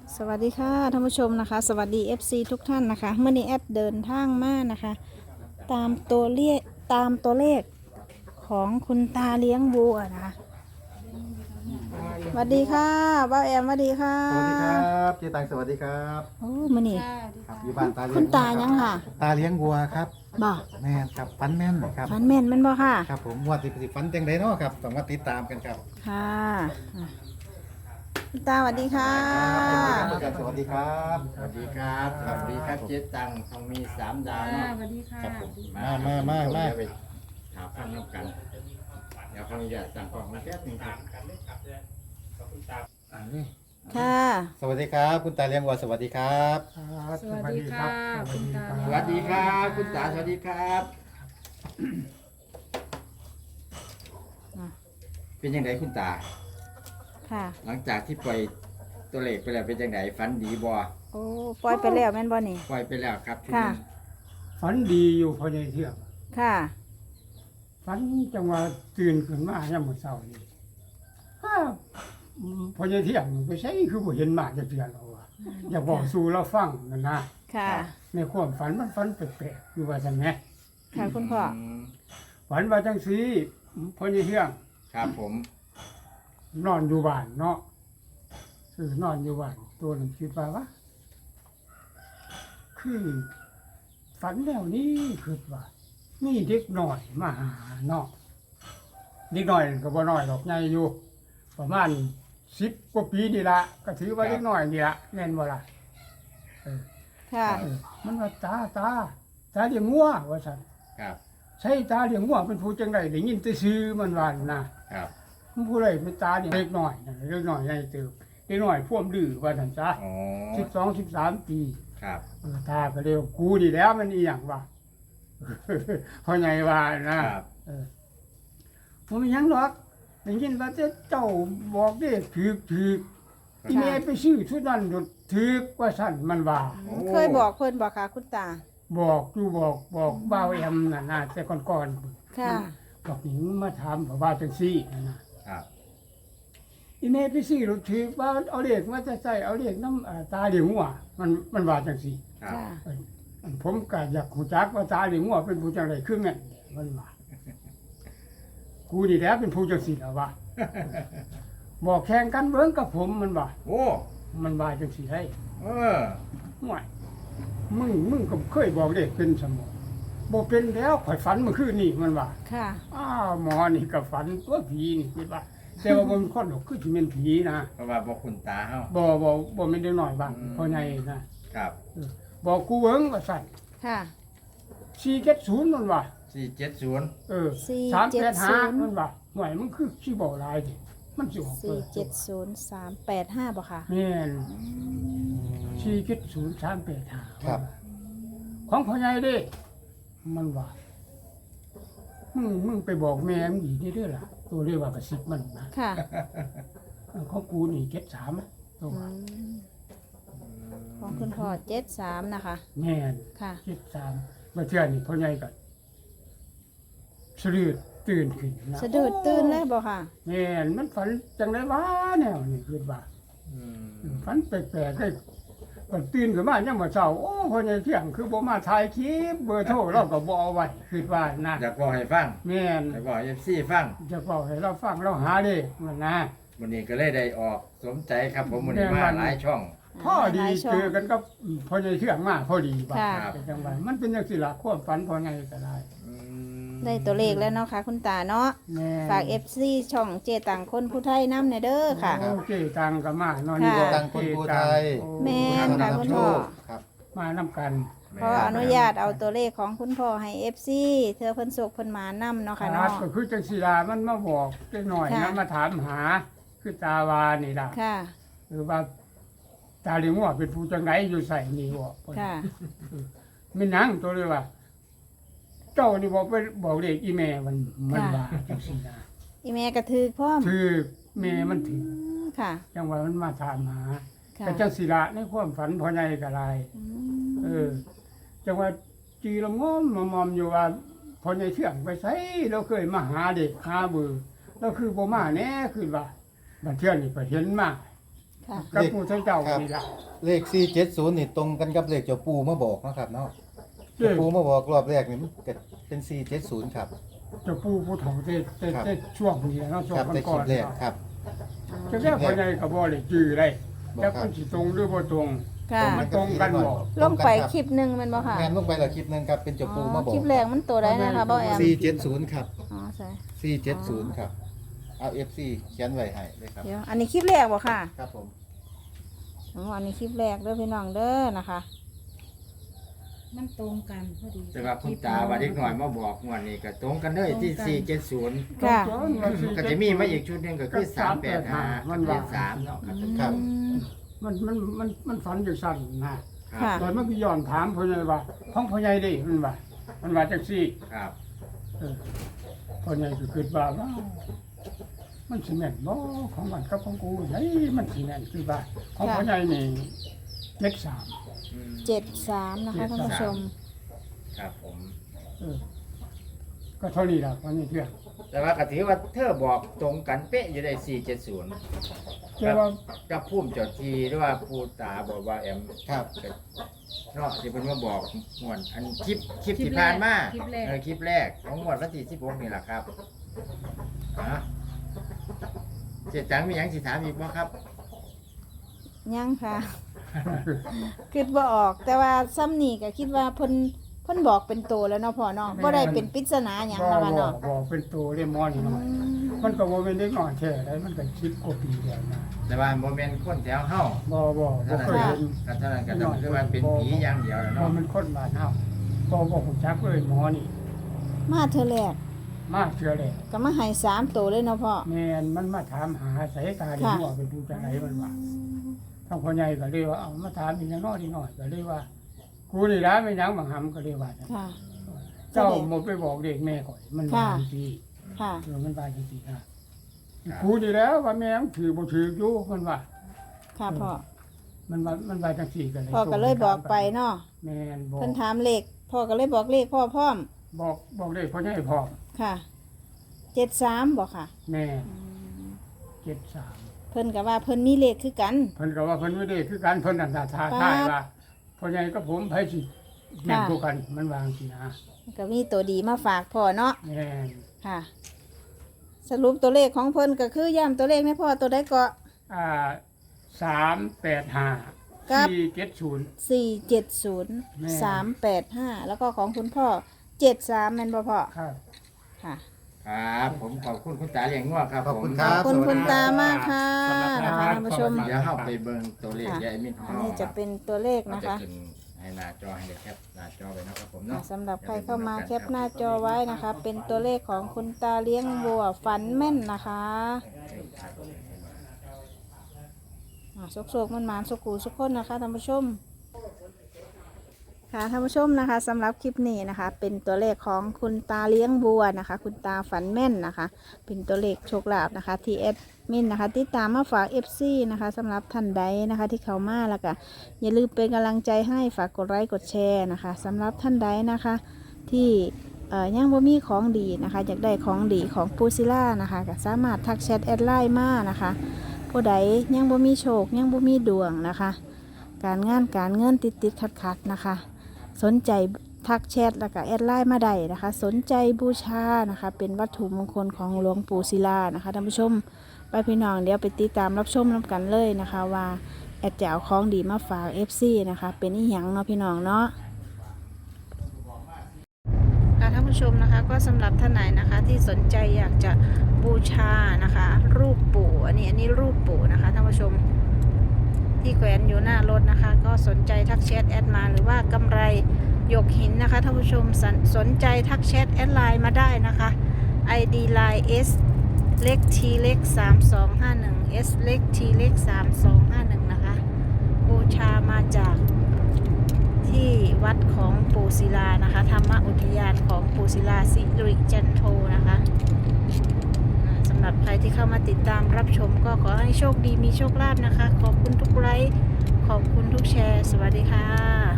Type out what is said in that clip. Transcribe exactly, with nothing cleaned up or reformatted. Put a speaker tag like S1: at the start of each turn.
S1: สวัสดีค่ะท่านผู้ชมนะคะสวัสดี เอฟ ซี ทุกท่านนะคะเมื่อนี้แอดเดินทางมานะคะตามตัวเลขตามตัวเลขของคุณตาเลี้ยงวัวนะคะสวัสดีค่ะบ้าแอมสวัสดีค่ะ
S2: สวัสดีครับเจตังสวัสดีครับ
S1: โอ้มื่อนี้
S2: ครับอยู่บ้านตาเลี้ยง
S1: คุณตายังค่ะ
S2: ตาเลี้ยงวัวครับ
S1: บ่
S2: แม่นครับฟันแม่นครับ
S1: ฟันแม่นแม่นบ่ค่ะ
S2: ครับผมวัวติดติดฟันจังไดเนาะครับต้องมาติดตามกันครับ
S1: ค่ะอ่ะคุณตาสวัสดีค่ะ
S2: ครับสวัสดีครับ
S3: สวัสดีครับสวัสดีครับเจ๊ตังทองมีสามดาวเนาะ
S4: สวัสดีค่ะ
S3: ครับผม
S2: มามามามา
S3: เดี๋ยวไปหาฟังน้ำกัน เดี๋ยวขออนุญาตสั่งกล่องมาแป๊บหนึงครับ
S2: อันนี้
S1: ค่ะ
S2: สวัสดีครับ คุณตาเลี้ยงวัวสวัสดีครับ
S4: สวัสดีค่ะคุณตา
S3: สวัสดีครับคุณตาสวัสดีครับ
S1: อ่ะ
S3: เป็นยังไงคุณตา
S1: ค่ะ
S3: หลังจากที่ปล่อยตัวเลขไปแล้วเป็นยังไงฟันดีบ่
S1: โอ้ปล่อยไปแล้วแม่นบ่นี่
S3: ปล่อยไปแล้วครับชุด
S1: ค่ะ
S3: นี้
S5: ฝันดีอยู่พอในเที่ยง
S1: ค่ะ
S5: ฝันจังว่าตื่นขึ้นมาย่ำมื้อเช้านี่อ้าวอืมพอในเที่ยงไปใช้คือบ่เห็นมาจะเตือนเราว่าอยากบอกสู่เราฟังนั่นนะ
S1: ค่ะ
S5: ในความฝันมันฝันแปลกๆอยู่ว่าซั่นแหม
S1: ค่ะคุณพ่อ
S3: ม
S5: ฝันว่าจังซี่พอในเที่ยง
S3: ครับผม
S5: นอนอยู่บ้านเนาะคือนอนอยู่บ้านตัวนึงคิดว่าว่าคือฝันแล้วนี่คือว่ามีเด็กหน่อยมาหาเนาะเด็กหน่อยก็บ่น้อยดอกใหญ่อยู่ ประมาณสิบกว่าปีนี่ละก็ถือว่าเล็กน้อยนี่ละแน่นบ่ล่ะเออ
S1: ค่ะ
S5: เออมันว่าตาตาตาเลี้ยงงัวว่าซั่น
S3: ครับ
S5: ใช่ตาเลี้ยงงัวเป็นผู้จังไดได้ยินแต่ชื่อมันว่านะครับ มันผู้ใดเป็นตาเนี่ยเล็กน้อยนะเล็กน้อยใหญ่เติบเล็กน้อยพ่วมดื้อว่าซั่นจ้ะ
S3: อ๋อ
S5: สิบสองสิบสามปี
S3: ครับ
S5: เออตาก็เรียกกูนี่แล้วมันอีหยังวะ พ่อใหญ่ว่านะครับ เออบ่มีหยังหรอกได้ยินว่าแต่เจ้าบอกเด้ถูกถูก อีเมลไปซื้อชุดนั้นถือกว่าสั่นมันว่า
S1: เคยบอกเพิ่นบอกค่ะคุณตา
S5: บอกอยู่บอกบอกบ่าวแอมน่ะนะแต่ก่อน
S1: ค่ะ
S5: ๆบอกหญิงมาถามว่าจังซี่นั่นนะครับ อีเมลไปซื้อรถถือว่าเอาเลขมาจะใส่เอาเลขน้ำอ่าตาเหลียงหัวมันมันว่าจังซี่
S3: ครับ
S1: ค่ะ
S5: เอ้ยอันผมก็อยากรู้จักว่าตาเหลียงหัวเป็นผู้จังไดคือแม่นมันว่ากูนี่แหละเป็นผู้จังซี่ล่ะว่าบอกแข่งกันเบิ่งกับผมมันว่า
S3: โอ้
S5: มันว่าจังซี่ให้
S3: เออ
S5: ห่วยมึงมึงก็เคยบอกเด็กเป็นสมองบ่เป็นแล้วข่อยฝันเมื่อคืนนี่มันว่า
S1: ค่ะ
S5: อ้าวหมอนี่ก็ฝันตัวผีนี่คิดว่า แต่ว่าบ่เป็นคนหรอกคือสิเป็นผีนะ
S3: เพราะว่าบอกคุณตาเฮา
S5: บ่บ่บ่แม่นเด็กน้อยบ้าง
S3: อืม
S5: พ่อใหญ่นะครับ เออบอกกูเอิงว่าสั่น
S1: ค่ะ
S5: สี่เจ็ดศูนย์มันว่า
S3: สี่เจ็ดศูนย์
S5: เออ
S1: สี่
S5: สาม
S1: เจ็
S5: แป
S1: ด
S5: ด
S1: ศู
S5: ห้าน
S1: ย์
S5: มันว่าห่วยมันคือสิบ่หลายดิมันสิออก
S1: สี่เจ็ดศูนย์สามแปดห้าบ่ค่ะ
S5: แม่นสี่เจ็ดศูนย์สามแปดห้า
S2: ครับ
S5: ของพ่อใหญ่เด้ มันว่า มึงมึงไปบอกแม่มึงอีกนี่เด้อล่ะ ตัวเรียกว่ากระซิบมันนะ
S1: ค่ะ
S5: ของกูนี่เก็ดสามตัว
S1: อืมของคุณพ่อเจ็ดสามนะคะ
S5: แม่น
S1: ค่ะ
S5: เก็ดสามมาเชื่อนี่พ่อใหญ่ก็สะดุดตื่นขึ้นนะ
S1: สะดุดตื่นเลยบ่ค่ะ
S5: แม่นมันฝันจังไดวะแนวนี่คิดว่า
S3: อืม
S5: ฝันแปลกๆได้ก็ตื่นขึ้นมายังมาเช้าโอ้พ่อใหญ่เที่ยงคือบ่มาถ่ายคลิปเบอร์โทรเราก็บ่เอาไว้คิดว่านะ
S3: อยากบอกให้ฟัง
S5: แม่น
S3: อยากบอกเอฟซีฟัง
S5: จะบอกให้เราฟังเราหาเด้มันนะ
S3: วันนี้ก็เลยได้ออกสมใจครับผมวันนี้มาหลายช่อง
S5: พ่อดี
S1: หลายช่อง
S5: เจอกันก็พ่อใหญ่เชื่องมากพอดีบ่า
S1: ค่ะ
S3: ครับ
S5: จังหวะมันเป็นจังซี่ล่ะความฝันพ่อใหญ่ก็ได้
S3: อืม
S1: ได้ตัวเลขแล้วเนาะค่ะ คุณตาเนาะ
S5: แม่
S1: ฝาก เอฟ ซี ช่องเจตังคนผู้ไทยน้ำในเด้อค่ะ
S5: โอเคตังก็มาเนาะ
S1: ค่ะ
S5: นี่บ่
S2: ตังคนภูไทย
S5: โอ้
S1: แม่นค่ะคุณพ่อ
S2: ครับ
S5: มานํกัน
S1: ขออนุญาตเอาตัวเลขของคุณพ่อให้ เอฟ ซี เธอเพิ่นสุกเพิ่นหมานํเนาะค่ะ
S5: ครั
S1: เนาะ
S5: บก็คือจังซี่ล่ะมันมาบอกจักหน่อย
S1: ค่ะ
S5: นะมาถามหา คือตาวานี่ล่ะ
S1: ค่ะ
S5: หรือว่าตาเลี้ยงว่าเป็นผู้จังไดอยู่ใส่นี่บ่
S1: ค่ะ
S5: แม่นหยังตัวเลยว่า เจ้านี่บอกไปบอกเด็กอีแม่มันมัน
S1: ค่ะ
S5: ว่าจังซี่นะ
S1: อีแม่กระถือพร้อม
S5: คือแม่มันถึง
S1: ค่ะ
S5: จังว่ามันมาถามหา
S1: ค่ะ
S5: แต่จังสิละในความฝันพ่อใหญ่ก็หลาย
S1: อื
S5: เอ
S1: ม
S5: อ จังว่าจีละงอมมอมๆอยู่ว่าพ่อใหญ่เชื่องไปไสเราเคยมาหาเด็กหาเบอร์เราคือบ่มาแน่คือว่าบัดเทื่อนี่ก็เห็นมา
S1: ค่ะ
S5: กับผู้ทั้งเจ้านี่ล่ะ
S2: เลขสี่เจ็ดศูนย์นี่ตรงกันกับเลขเจ้าปูมาบอกเนาะครับเนาะ
S5: เลข
S2: เจ้าปูมาบอกรอบแรกนี่มันก็เป็นสี่เจ็ดศูนย์ครับ
S5: เจ้าผู้ผู้เฒ่าเต้เต้
S2: ครับ
S5: เต้ช่วงนี้เนาะช่ว
S2: ค
S5: ง
S2: รับในค
S5: ก่
S2: ลิ
S5: อน
S2: ป
S5: ๆ
S2: แรก
S5: เนาะ
S2: ครับ
S5: จะแค่พ่อใหญ่ก็บ่ได้จื้อได้
S2: บอก
S5: แต่
S2: ครั
S5: มั
S2: บ
S5: นสิตรงหรือบ่ตรง
S1: ค่ะ
S5: มันตรงกันบ่
S1: ลงไปคลิปหนึ่งแมันบ่ค่ะ
S2: แม่นลงไปแล้วคลิปหนึงครับเป็นเจ้าปูมาบอ
S1: คลิ
S2: ก
S1: ปแรกมันตัวใดนะคะบ่แอม
S2: สี่เจ็ดศูนย์ครับ
S1: อ๋อใช่
S2: สี่เจ็ดศูนย์ครับเอา เอฟ ซี เขียนไว้ให้เลยครับ
S1: เดี๋ยวอันนี้คลิปแรกบ่ค่ะ
S2: ครับผม
S1: อ๋ออันนี้คลิปแรกเด้อพี่น้องเด้อนะคะ
S4: มันตรงกันพอดี
S3: แต่ว่าคุณตาว่าเด็กหน่อยมาบอกงวดนี้ก็ตรงกันเลยที่สี่เจ็ดศูนย์
S1: ค่ะ
S3: ก็จะมีมาอีกชุดหนึงก็คือสามแปดห้า
S5: มั
S3: มัน น
S5: ว่า
S3: เป็นสามเนาะก็จะ
S2: ครับ
S1: อืม
S5: มันมันมันมันฝันจังซั่นนะ
S3: ครับ
S1: ค่ะ
S5: ตอนมันก็ย้อนถามพ่อใหญ่ว่าของพ่อใหญ่ดิมันว่ามันว่าจังซี่
S3: ครับ
S5: เออพ่อใหญ่ก็คิดว่าว้าวมันสิแม่นบ่ของมันกับของกูไหนมันสิแม่นคือว่าของพ่อใหญ่นี่เจ็ดสาม
S3: อืม
S1: เจ็ดสามนะคะท่านผู้ชม
S3: ครับผม
S5: เออก็เท่านี้ล่ะพ่อใหญ่เชื่อ
S3: แต่ว่าก็ถือว่าเธอบอกตรงกันเป๊ะอยู่ได้สี่เจ็ดศูนย์
S5: แต่ว่า
S3: กับพุ่มเจ้าทีหรือว่าปูตาบอกว่าแอม
S2: ครับ
S3: เนาะที่เพิ่นมาบอกงวดอันคลิปคลิปที่ผ่านมา
S4: คลิปแรก
S3: เออคลิปแรกของงวดวันที่สิบหกนี่แหละครับอ่ะเจ็ดจังมีหยังสิถามอีกบ่ครับ
S1: ยังค่ะ คิดว่าออก แต่ว่าซ้ำนี่ก็คิดว่าเพิ่นเพิ่นบอกเป็นตัวแล้วเนาะพ่อเนาะบ่ได้เป็นปริศนาหยัง
S5: บ่
S1: นะ
S5: บ่
S1: คะเนาะ
S5: บ่เป็นตัวเรียมอนนี่หน่อย มันก็บ่เป็นเด็กน้อยแท้ได้มันก็สิบกว่าปีแล้วนะ
S3: แต่ว่าโมเมนต์คนแถวเฮา
S5: บ่บ่บ่
S3: เท่านั้น
S5: เคยเห็น
S3: ก็เท่านั้นก็ต้องคือว่าเป็นผีอย่างเดียวแล้ว
S5: บ่
S3: เนาะ
S5: มันคนบ้านเฮาบ่บ่ฮู้จักเลยหมอนี่
S1: มาเธอแรก
S5: มาเชื่อแล้ว
S1: ก็มาให้สามตัวเลยเนาะพ่อ
S5: แม่นมันมาถามหาสายตาเดียวว่าเป็นผู้จังไดมันว่าทางพ่อใหญ่ก็เลยว่าเอามาถามอีกอย่างน้อยนิดหน่อยก็เลยว่ากูนี่ล่ะไม่หยังบังหำก็เลยว่า
S1: ค่ะ
S5: เจ้าบ่ไปบอกเด็กแม่ก่อนมันว่าจังซี่
S1: ค่ะ
S5: เออมันว่าจังซี่นะกูนี่แล้วว่าแม่มันถือบ่ถืออยู่มันว่า
S1: ค่ะพ่อ
S5: มันว่ามันว่าจังซี่ก็เลย
S1: พ่อก็เลยบอกไปเนาะ
S5: แม่นบอก
S1: เพิ่นถามเลขพ่อก็เลยบอกเลขพ่อพร้อม
S5: บอกบอกเลขพ่อใหญ่พร้อม
S1: ค่ะเจ็ดสามบอกค่ะ
S5: แม่เจ็ดสาม
S1: เพิ่นก็ว่าเพิ่นมีเลขคือกัน
S5: เพิ่นก็ว่าเพิ่นไม่ได้คือการเพิ่นนั่นท่าท่าทายว่าพ่อใหญ่กับผมไผสิแม่นคู่กันมันวางสินะ
S1: ก็มีตัวดีมาฝากพ่อเนาะ
S5: แม่น
S1: ค่ะ สรุปตัวเลขของเพิ่นก็คือย้ำตัวเลขให้พ่อตัวได้ก็
S5: อ่าสามแปดห้า
S1: ครับ
S5: สี่เจ็ดศูนย์
S1: สี่เจ็ดศูนย์
S5: แม่
S1: สามแปดห้าแล้วก็ของคุณพ่อเจ็ดสามแม่นบ่พ่อ
S5: ครับ
S1: ค่ะ
S3: ครับผมขอบคุณคุณตาเลี้ยงงัวครับ
S2: ขอบคุณ
S3: ผม
S2: ครับ
S1: ขอบคุณ
S2: สวัสดี
S1: คุณตามากค่ะนะคะท่านผู้ชม
S3: เดี๋ยวเข้าไปเบิ่งตัวเลข
S1: ค่ะ
S3: ยายมิตรของ
S1: อัน
S3: เรา
S1: นี้จะเป็นตัวเลข
S3: เรา
S1: นะ
S3: จะ
S1: คะ
S3: ขึ้นให้หน้าจอให้เลยครับหน้าจอไปนะครับผม
S1: อ่ะ
S3: เนาะ
S1: สำหรับใครเข้ามาแคปหน้าจอไว้นะคะ เป็นตัวเลขของคุณตาเลี้ยงวัวฝันแม่นนะคะอ่ะโศกๆมันหมานๆสุกูสุกคนนะคะท่านผู้ชม ค่ะท่านผู้ชมนะคะสำหรับคลิปนี้นะคะ เป็นตัวเลขของคุณตาเลี้ยงวัวนะคะ คุณตาฝันแม่นนะคะ เป็นตัวเลขโชคลาภนะคะที่แอดมินนะคะติดตามมาฝาก เอฟ ซี นะคะสำหรับท่านใดนะคะที่เข้ามาแล้วก็อย่าลืมเป็นกำลังใจให้ฝากกดไลค์กดแชร์นะคะสำหรับท่านใดนะคะที่เอ่อยังบ่มีของดีนะคะอยากได้ของดีของปูซิล่านะคะก็สามารถทักแชทแอดไลน์มานะคะผู้ใดยังบ่มีโชคยังบ่มีดวงนะคะ การงานการเงินติดติดขัดขัดๆนะคะ สนใจทักแชทแล้วก็แอดไลน์มาได้นะคะ สนใจบูชานะคะ เป็นวัตถุมงคลของหลวงปู่ศิลานะคะท่านผู้ชมไปพี่น้องเดี๋ยวไปติดตามรับชมน้ำกันเลยนะคะ ว่าแอดจะเอาของดีมาฝาก เอฟ ซี นะคะ เป็นอีหยังเนาะพี่น้องเนาะค่ะท่านผู้ชมนะคะก็สำหรับท่านไหนนะคะที่สนใจอยากจะบูชานะคะ รูปปู่อันนี้อันนี้รูปปู่นะคะท่านผู้ชม ที่แขวนอยู่หน้ารถนะคะ ก็สนใจทักแชทแอดมาหรือว่ากำไรหยกหินนะคะท่านผู้ชมสนสนใจทักแชทแอดไลน์มาได้นะคะ ไอ ดี ไลน์ S เล็ก T เล็กสามสองห้าหนึ่ง S เล็ก T เล็กสามสองห้าหนึ่งนะคะบูชามาจากที่วัดของปู่ศิลานะคะธรรมอุทยานของปู่ศิลาสิริจันโทนะคะสำหรับใครที่เข้ามาติดตามรับชมก็ขอให้โชคดีมีโชคลาภนะคะ ขอบคุณทุกไลค์ขอบคุณทุกแชร์ สวัสดีค่ะ